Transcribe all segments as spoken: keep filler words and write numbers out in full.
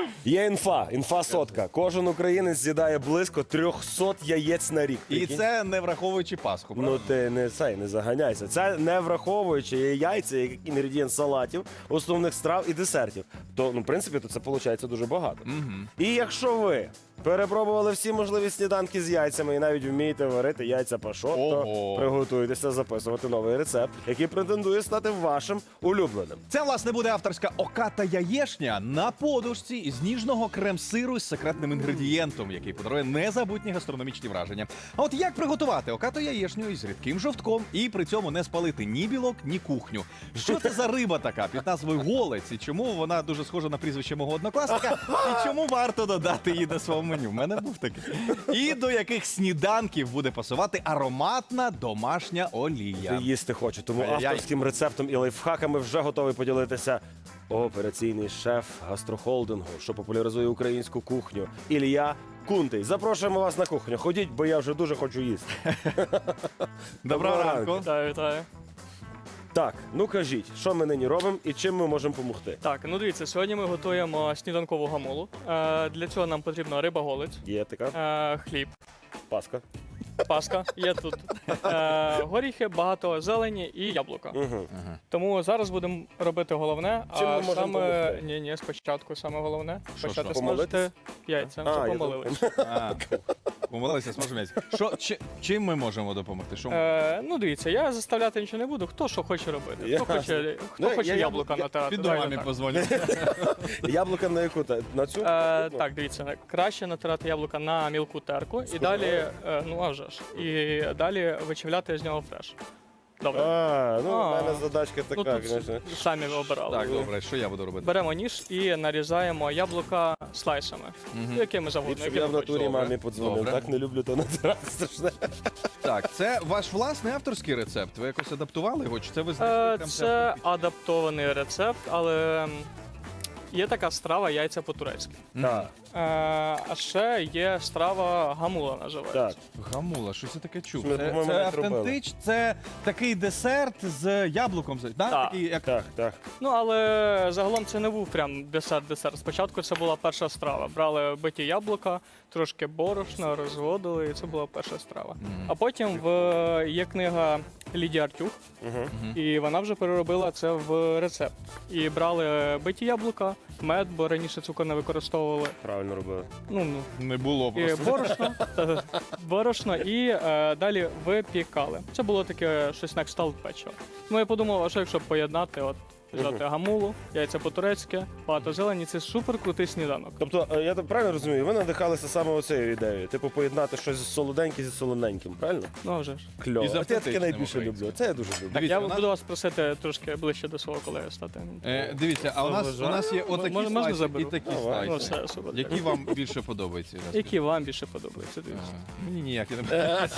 Є інфа, інфа сотка. Кожен українець з'їдає близько трьохсот яєць на рік. І Прикинь? це не враховуючи Пасху, Ну правда? ти не цей, не заганяйся. Це не враховуючи яйця, як інгредієнт салатів, основних страв і десертів. То, ну, в принципі, то це виходить дуже багато. Мгм. І якщо ви перепробували всі можливі сніданки з яйцями і навіть вмієте варити яйця пашот, то Ого. приготуйтеся записувати новий рецепт, який претендує стати вашим улюбленим. Це, власне, буде авторська оката яєшня на подушці із ніжного крем-сиру з секретним інгредієнтом, який подарує незабутні гастрономічні враження. А от як приготувати окату яєшню із рідким жовтком і при цьому не спалити ні білок, ні кухню? Що це за риба така під назвою голець? І чому вона дуже схожа на прізвище мого однокласника? І чому варто додати її до свого меню? В мене був такий. І до яких сніданків буде пасувати ароматна домашня олія? Ти їсти хочу, тому Ай-яй-яй. авторським рецептом і лайфхаками вже готовий поділитися операційний шеф гастрохолдингу, що популяризує українську кухню, Ілля Кунтий. Запрошуємо вас на кухню. Ходіть, бо я вже дуже хочу їсти. Доброго ранку. Вітаю, вітаю. Так, ну кажіть, що ми нині робимо і чим ми можемо допомогти? Так, ну дивіться, сьогодні ми готуємо сніданкову гамулу. Е, для цього нам потрібна риба-голець, Є така е, хліб, паска. паска, є тут е, горіхи, багато зелені і яблука. Угу. Тому зараз будемо робити головне, Чим ми а можемо саме допомогти? ні, ні, спочатку саме головне. Що, Почати що? смажити Помолитись? яйця. А, Вже я помолились. А, помилилися, смажемо яйця. Що, чи- чим ми можемо допомогти? Що ми- Е, ну дивіться, я заставляти нічого не буду. Хто що хоче робити? Хто Ясно. хоче, хто Ну, хоче я- яблука я- натирати? Піду давайте мамі так. позвоню. Яблука на яку? та- На цю? Е, так, дивіться, краще натирати яблука на мілку терку і далі, е, ну а вже ж, і далі вичавляти з нього фреш. Добре. А, ну А. в мене задачка Ну, така, тут звісно. самі ви обирали. Так, добре, що я буду робити? Беремо ніж і нарізаємо яблука слайсами, Мгм. якими завгодно. Ліпше б якими я в хочете. натурі Добре. мамі подзвонив, Добре. так не люблю то натирати страшне. Так, це ваш власний авторський рецепт. Ви якось адаптували його? Чи це ви знайшли Е, прям Це адаптований рецепт, але м, є така страва яйця по-турецьки. Так, Е, А ще є страва гамула називається. так. Гамула, що це таке чув? Ми, Це, по-моєму, це не зробили. автентич, це такий десерт з яблуком. Да? Так. Такий, як... Так, так. Ну, але загалом це не був прям десерт-десерт. Спочатку це була перша страва. Брали биті яблука, трошки борошна, розводили, і це була перша страва. Мгм. А потім в є книга Лідії Артюх, Угу. і вона вже переробила це в рецепт. І брали биті яблука, мед, бо раніше цукор не використовували. Правильно робили. Ну, ну. Не було І просто. борошно, та- борошно, і е, далі випікали. Це було таке щось на кшталт печива. Ну я подумав, а що якщо поєднати, от взяти гамулу, яйця по-турецьки, багато зелені, це супер крутий сніданок. Тобто, е, я так правильно розумію, ви надихалися саме оцею ідеєю. Типу поєднати щось солоденьке зі солоненьким, правильно? Ну а вже ж. Кльово. І з От я таке автентичним найбільше українським. люблю. Це я дуже люблю. Так, Дивіться, я у нас- буду вас просити трошки ближче до свого колеги стати. Е, дивіться, а у нас, у нас є отакі Можна- можна слайси і заберу? такі Давай. Ну слайси. все, супер. Які вам більше подобаються? Ірина? Які вам більше подобаються? Е, Дивіться. Мені ніякі не подобаються.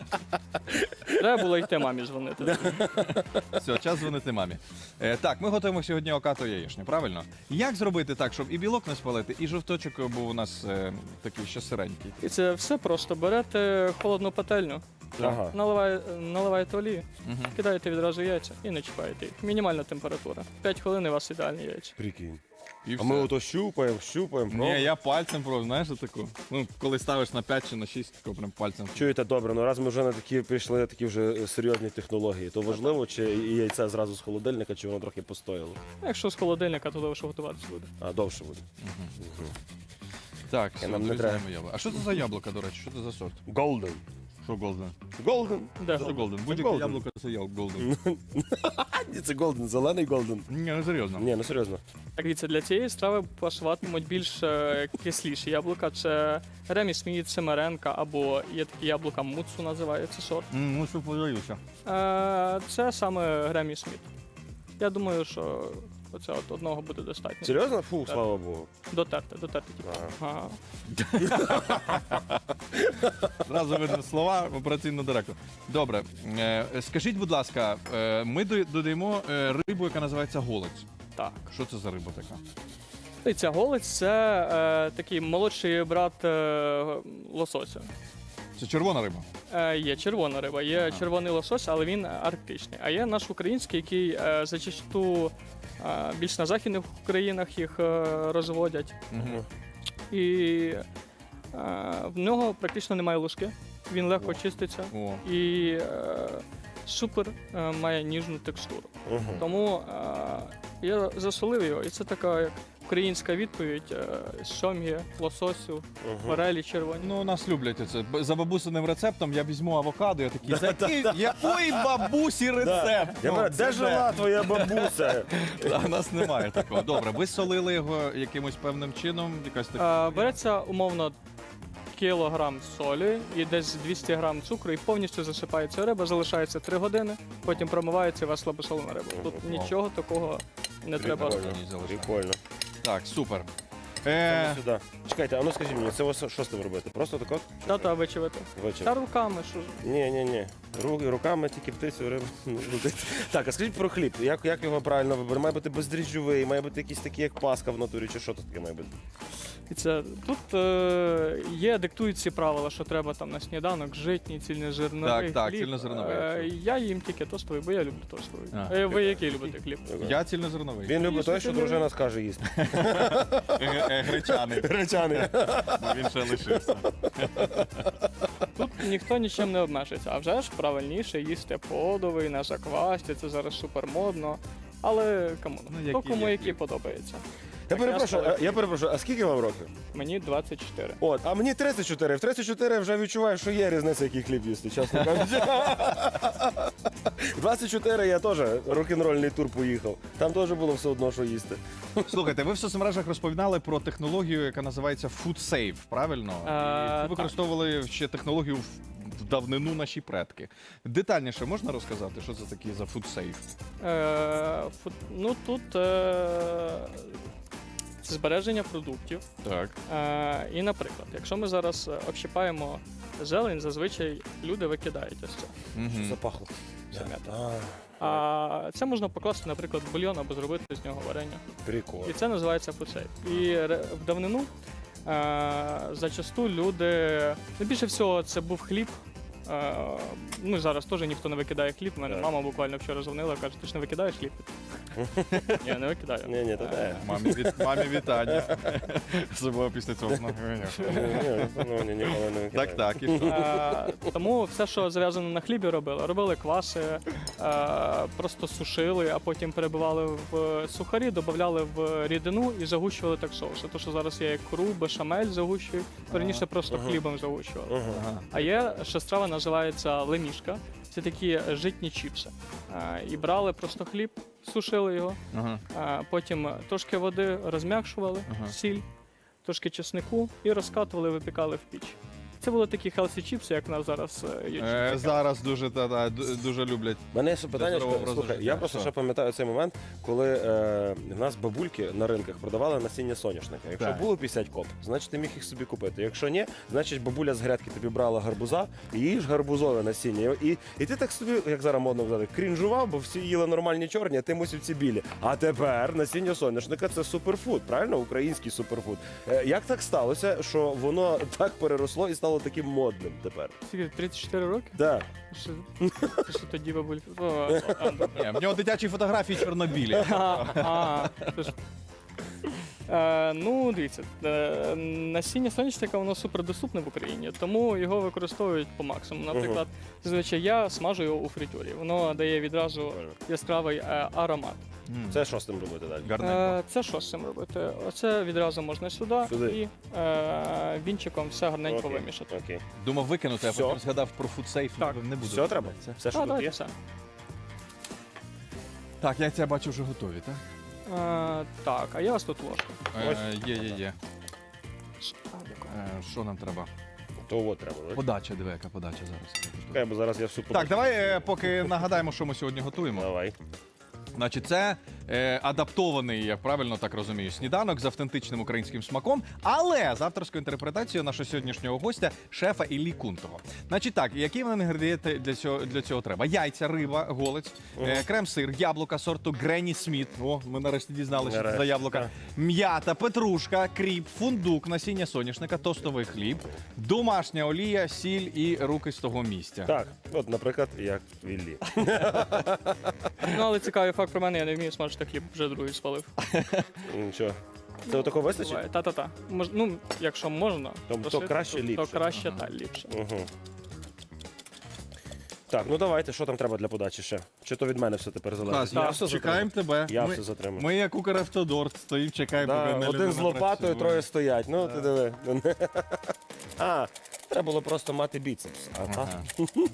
Треба було йти мамі дзвонити. Все, час дзвонити мамі. Е, так, ми готуємо сьогодні окату яєчню, правильно? Як зробити так, щоб і білок не спалити, і жовточок був у нас е, такий ще сиренький? І це все просто. Берете холодну пательню, Ага. наливає- наливаєте олії, Угу. кидаєте відразу яйця і не чіпаєте їх. Мінімальна температура. п'ять хвилин і у вас ідеальні яйця. Прикинь. І А все. ми ото щупаємо, щупаємо. Ні, я пальцем просто, знаєш, таку. Ну, коли ставиш на п'ять чи на шість, тако прям пальцем. Чуєте, добре, ну раз ми вже на такі прийшли на такі вже е, серйозні технології, то важливо, чи і яйце зразу з холодильника, чи воно трохи постояло. Якщо з холодильника, то довше готуватися буде. А довше буде. Так, все, нам не дорізаємо яблуко. А що це за яблука, до речі? Що це за сорт? Golden. Що голден? Golden. Де? Що голден? Будь-яке Golden. яблуко це голден. Ні, це Golden, зелений Golden. Ні, не серйозно. Ні, ну серйозно. Так, дивіться, для цієї страви пасуватимуть більш е, кисліші яблука. Це Ремі Сміт, Семеренка, або є такі яблука Муцу називається сорт. М, Ну, що подаюся. Е, це саме Гремі Сміт. Я думаю, що оце от одного буде достатньо. Серйозно? Фу, слава Богу. Дотерти, дотерти тільки. Ага. Ага. Зразу видно слова операційного директора. Добре, е, скажіть, будь ласка, е, ми до- додаємо е, рибу, яка називається голець. Так. Що це за риба така? І ця голець це е, такий молодший брат е, лосося. Це червона риба. Е, є червона риба, є червоний лосось, але він арктичний. А є наш український, який е, зачасту е, більш на західних країнах їх е, розводять. Угу. І е, в нього практично немає луски, він легко чиститься О. і е, супер е, має ніжну текстуру. Угу. Тому е, я засолив його, і це така як українська відповідь е, сьомгі, лососю, форелі червоні. Ну, у нас люблять це. Б- За бабусиним рецептом я візьму авокадо, я такий, «За який- якої бабусі рецепт? Я Ну, кажу, це де жила твоя бабуся? А у нас немає такого. Добре, ви солили його якимось певним чином, якась така. Е, береться умовно кілограм солі і десь двісті грам цукру, і повністю засипається риба, залишається три години, потім промивається і у вас слабосолена риба. Тут Вау. нічого такого не треба. Прикольно. Ні, залишаю. Прикольно. Так, супер. Саме Е, сюди. Чекайте, а ну скажіть мені, це ось що з тим робити? Просто тако? Та-та, вичавити. Вечір. Та руками, що ж. Ні, ні, ні. Руки, руками тільки птицю рибу. не крутити. Так, а скажіть про хліб. Як, як його правильно вибирати? Має бути бездріжджовий, має бути якийсь такий, як паска в натурі, чи що тут таке має бути? І це тут е, є, диктують ці правила, що треба там на сніданок житній, цільнозерновий Так, так, хліб. цільнозерновий, Е, абсолютно. я їм тільки тостовий, бо я люблю тостовий. А. Е, ви який любите хліб? я цільнозерновий. Він любить той, що що ти дружина скаже їсти. Е, е, Гречаний. Гречаний. Бо він ще лишився. Тут ніхто нічим не обмежується, а вже ж правильніше їсти подовий, на заквасті, це зараз супер модно. Але кому? Ну, Хто який кому є який хліб. подобається. Я Так, перепрошую, я а- я перепрошую, а скільки вам років? Мені двадцять чотири. От, а мені тридцять чотири. В тридцять чотири вже відчуваю, що є різниця, який хліб їсти, чесно кажучи. двадцять чотири я теж рок-н-рольний тур поїхав. Там теж було все одно, що їсти. Слухайте, ви в соцмережах розповідали про технологію, яка називається Food Safe, правильно? І Е, ви використовували ще технологію в в давнину наші предки. Детальніше можна розказати, що це таке за Food Safe? Е, фу- ну тут е, це збереження продуктів. Так. Е, і, наприклад, якщо ми зараз е, общипаємо зелень, зазвичай люди викидають ось це. Що запахло? Це м'ята. А, А це можна покласти, наприклад, в бульйон або зробити з нього варення. прикол. І це називається фудсейф. І ре- в давнину е, зачасту люди. Ну, більше всього, це був хліб. Е, ну, зараз теж ніхто не викидає хліб. У мене Так. мама буквально вчора дзвонила, каже, ти ж не викидаєш хліб? Я не викидаю. Ні, ні, то де. Мамі, від... Мамі вітання. Забула після цього. Ну, Ні, ні, ну, ні, ніколи не викидаю. Так, так, і що? Е, тому все, що зав'язано на хлібі, робили. Робили кваси, е, просто сушили, а потім перебивали в сухарі, додавали в рідину і загущували так соуси. То, що зараз є як кру, бешамель загущують, раніше просто Ага. хлібом загущували. Ага. Ага. А є ще страва, називається лемішка. Це такі житні чіпси. Е, і брали просто хліб, сушили його, Ага. е, потім трошки води розм'якшували, Ага. сіль, трошки чеснику і розкатували, випікали в піч. Це були такі хелсі чіпси, як в нас зараз е, є. Е, чіпси. зараз дуже, та, та, ду- дуже люблять. У мене є ще питання, здорового що- образу слухай, життя. я просто Що? ще пам'ятаю цей момент, коли е, в нас бабульки на ринках продавали насіння соняшника. Якщо Так. було п'ятдесят коп, значить ти міг їх собі купити. Якщо ні, значить бабуля з грядки тобі брала гарбуза і їж гарбузове насіння. І, і ти так собі, як зараз модно казати, крінжував, бо всі їли нормальні чорні, а ти мусив ці білі. А тепер насіння соняшника це суперфуд, правильно? Український суперфуд. Е, як так сталося, що воно так переросло і стало таким модним тепер? Скільки, тридцять чотири роки? Так. Що, ти що тоді бабуль? О, о, а, Ні, в нього дитячі фотографії чорнобілі. А, а, це ж- Е, ну, дивіться, е, насіння соняшника воно супердоступне в Україні, тому його використовують по максимуму. Наприклад, зазвичай я смажу його у фритюрі. Воно дає відразу яскравий е, аромат. М. Це що з тим робити далі? Гарненько. Е, це що з цим робити? Оце відразу можна сюди, Сюди. і е, вінчиком все гарненько Окей, вимішати. Окей. Думав викинути, а Все. потім згадав про фудсейф. Так. Не буду. Все треба? Це- Все, що А, тут давайте є? все. Так, яйця бачу вже готові, так? Е, так, а я ось тут ложку. Е, Є, є, є. А, дякую. Е, Що нам треба? То от треба. так? Подача, диви, яка подача зараз. Чекай, бо зараз я в суп. Так, давай е, поки нагадаємо, що ми сьогодні готуємо. Давай. Значить, це е, адаптований, я правильно так розумію, сніданок з автентичним українським смаком, але з авторською інтерпретацією нашого сьогоднішнього гостя, шефа Іллі Кунтого. Значить так, які нам інгредієнти для цього, для цього треба? Яйця, риба, голець, е, крем-сир, яблука сорту Гренні Сміт. О, ми нарешті дізналися, що це за Нарешті, яблука. так. М'ята, петрушка, кріп, фундук, насіння соняшника, тостовий хліб, домашня олія, сіль і руки з того місця. Так, от, наприклад, як в Іллі. Ну, але цікавий факт про мене, я не вмію смажити хліб, вже другий спалив. Нічого. Це отако вистачить? Буває. Та-та-та. Мож, ну, якщо можна, То- то прошити, краще, то, ліпше. То краще, та ліпше. Угу. Так, ну давайте, що там треба для подачі ще? Чи то від мене все тепер залежить? Клас, Я я все чекаємо затримав. тебе. Я ми, все затримав. ми як Укравтодор стоїмо, чекаємо. Да, поки одна один людина з лопатою, працює. троє стоять. Ну, ти диви. А, треба було просто мати біцепс. А так? Ага.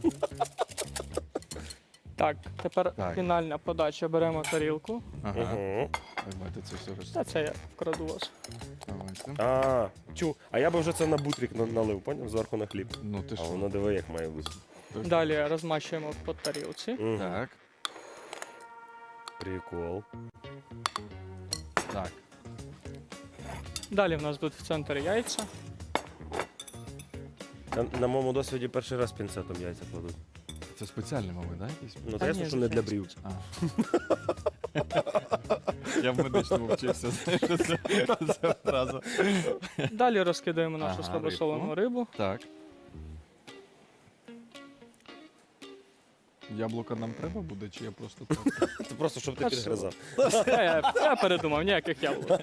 Так, тепер Так. фінальна подача. Беремо тарілку. Ага. Угу. Давайте це все роз... Та це я вкраду вас. Давайте. А, чу. А я би вже це на бутрик на- налив, поняв? Зверху на хліб. Ну ти А що? воно диви, як має бути. Далі розмащуємо по тарілці. Мгм. Так, Прикол. так. Далі в нас будуть в центрі яйця. На, на моєму досвіді перший раз пінцетом яйця кладуть. Це спеціальний, мабуть, так? Якийсь? Ну, Та ясно, ні, що не для звичайно. брів. А. Я в медичному вчився, знаєш, це, це одразу. Далі розкидаємо нашу Ага, слабосолену рибу. Так. Яблука нам треба буде, чи я просто так? Це просто, щоб ти Та підгризав. Я, я, я передумав, ніяких яблук.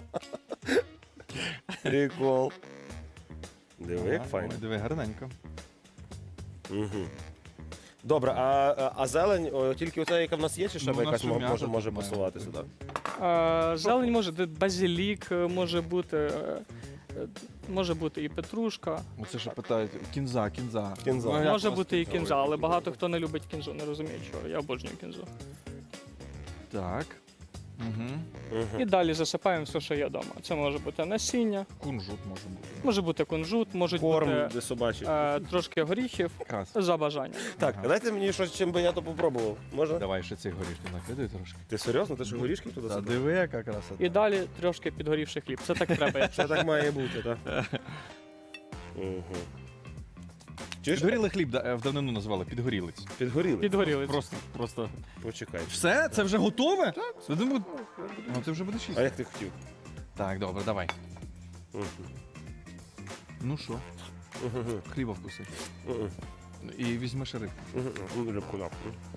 Прикол. Диви, як Ага, файно. ой, диви, гарненько. Угу. Добре, а, а- а зелень о, тільки оця, яка в нас є, чи ще Ну, у нас якась ще мо- м'ята може, тут може має пасувати бути. сюди? Е, Зелень може бути базилік, е, може бути, е, е, може бути і петрушка, Оце що питають, кінза, кінза. Кінза. Ну, як може вас бути і кінза? кінза, але багато хто не любить кінзу, не розуміє чого. Я обожнюю кінзу. Так. Угу. Угу. І далі засипаємо все, що є вдома. Це може бути насіння, Кунжут може бути. може бути кунжут, можуть Корм бути для собачий. е, трошки горіхів Крас. за бажанням. Так, Ага. дайте мені щось, чим би я то попробував. Можна? Давай ще цих горішків накидай трошки. Ти серйозно? Ти що горішки туди Та садив? диви, яка краса. І далі трошки підгорівший хліб. Це так треба. якщо Це так має бути, так? Угу. Чуєш? Підгорілий хліб да, е, в давнину називали підгорілець. Підгоріли? Підгоріли. Просто, просто. Почекай. Все? Це вже готове? Так. Я думаю, ну ти вже будеш А їсти. як ти хотів? Так, добре, давай. Угу. Ну що, Угу. хліба вкуси. Угу. І візьмеш рибку. Угу. Рибку на.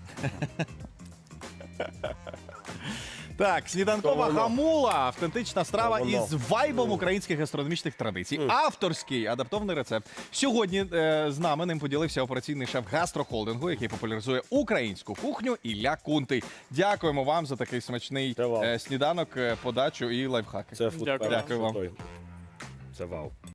Так, сніданкова То воно. гамула, автентична страва То воно. із вайбом українських гастрономічних традицій. Авторський адаптований рецепт. Сьогодні е, з нами ним поділився операційний шеф гастрохолдингу, який популяризує українську кухню, Ілля Кунтий. Дякуємо вам за такий смачний Це вау. е, сніданок, е, подачу і лайфхаки. Це фуд Дякую. Дякую вам. Це вау.